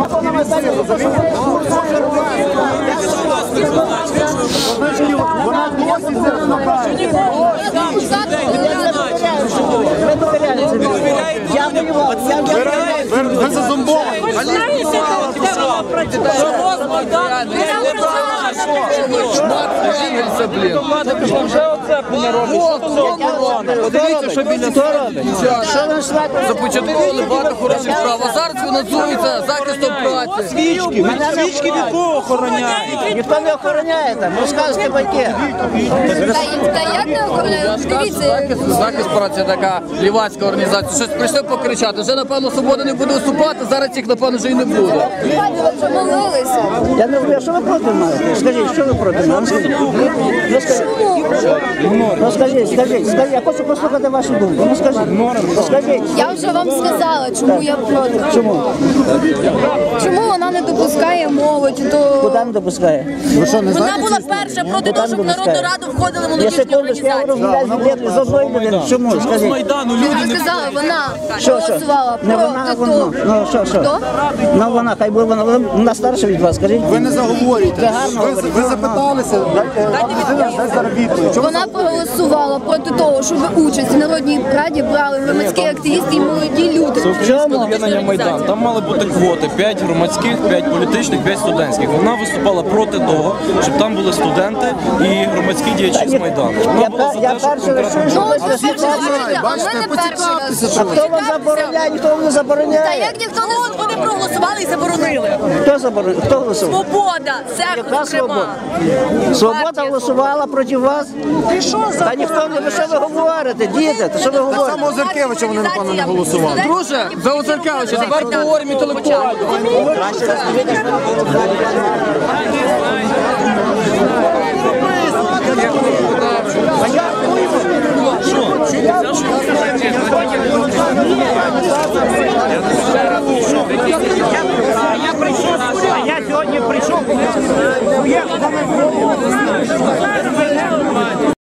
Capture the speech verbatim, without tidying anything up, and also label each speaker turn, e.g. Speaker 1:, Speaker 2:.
Speaker 1: Вона досі це направляє.
Speaker 2: Я воював, я воював.
Speaker 1: Ви зазомбовані.
Speaker 3: Подивіться, що біля започаткували багато хороших справ. А зараз фінансується захистом праці.
Speaker 2: Свічки, свічки від кого охороняють? Ніхто не охороняє там, розказуйте байки.
Speaker 4: Та як не охороняють? Дивіться.
Speaker 3: Захист праці така лівацька організація. Щось прийшли покричати. Вже, напевно, свобода не буде виступати, зараз їх, напевно, вже і не буде.
Speaker 4: Ви вже молилися.
Speaker 2: Я не знаю, що ви проти маєте? Скажіть, що ви проти мене? Скажіть. Ну, скажіть. Ну, скажіть, скажіть, скажіть, я хочу послухати вашу думку. Ну, скажіть, ну, скажіть.
Speaker 4: Я вже вам сказала, чому я проти.
Speaker 2: Чому?
Speaker 4: Чому вона не допускає молодь до...
Speaker 2: Куди не допускає?
Speaker 4: Вона була перша проти того, щоб в Народну Раду входили
Speaker 2: Я
Speaker 4: молодіжні
Speaker 2: секундочку, я
Speaker 4: організації.
Speaker 2: розмовляю з одної людини. Чому? Скажіть.
Speaker 4: Я сказала, вона
Speaker 2: Що, що?
Speaker 4: голосувала
Speaker 2: Не вона, а
Speaker 4: проти
Speaker 2: воно.
Speaker 4: того.
Speaker 2: Ну, що, що?
Speaker 4: Хто?
Speaker 2: Ну, вона, хай буде вона. Вона старша від вас, скажіть.
Speaker 1: Ви не заговорюєте.
Speaker 2: Це гарно
Speaker 1: Ви,
Speaker 2: говорите.
Speaker 1: ви запиталися, а людина не заробітує. Чому
Speaker 4: Вона проголосувала проти того, щоб участь в Народній Раді брали громадські активісти і молоді люди.
Speaker 5: Об'єднання «Майдан». Там мали бути квоти: п'ять громадських, п'ять політичних, п'ять студентських. Вона виступала проти того, щоб там були студенти і громадські діячі з Майдану. Вона
Speaker 2: Я,
Speaker 5: була за
Speaker 2: я
Speaker 5: те, щоб
Speaker 2: перший раз чую, що
Speaker 4: Ну,
Speaker 2: ви
Speaker 4: ось ви перший раз чуєте, а ми не перший раз.
Speaker 2: А хто вам забороняє, ніхто вам не
Speaker 4: Та
Speaker 2: забороняє.
Speaker 4: як ніхто не вони проголосували і заборонили.
Speaker 2: Хто забороняє? Хто голосував?
Speaker 4: Свобода, це
Speaker 2: Яка свобода? Свобода голосувала проти вас? Та ніхто не, ви що ви говорите, діти, та що ви говорите?
Speaker 1: Саме Озеркевича вони, напевно, не голосували.
Speaker 3: Друже, за Озеркевича, тепер поговоримо інтелектуально.
Speaker 2: Що?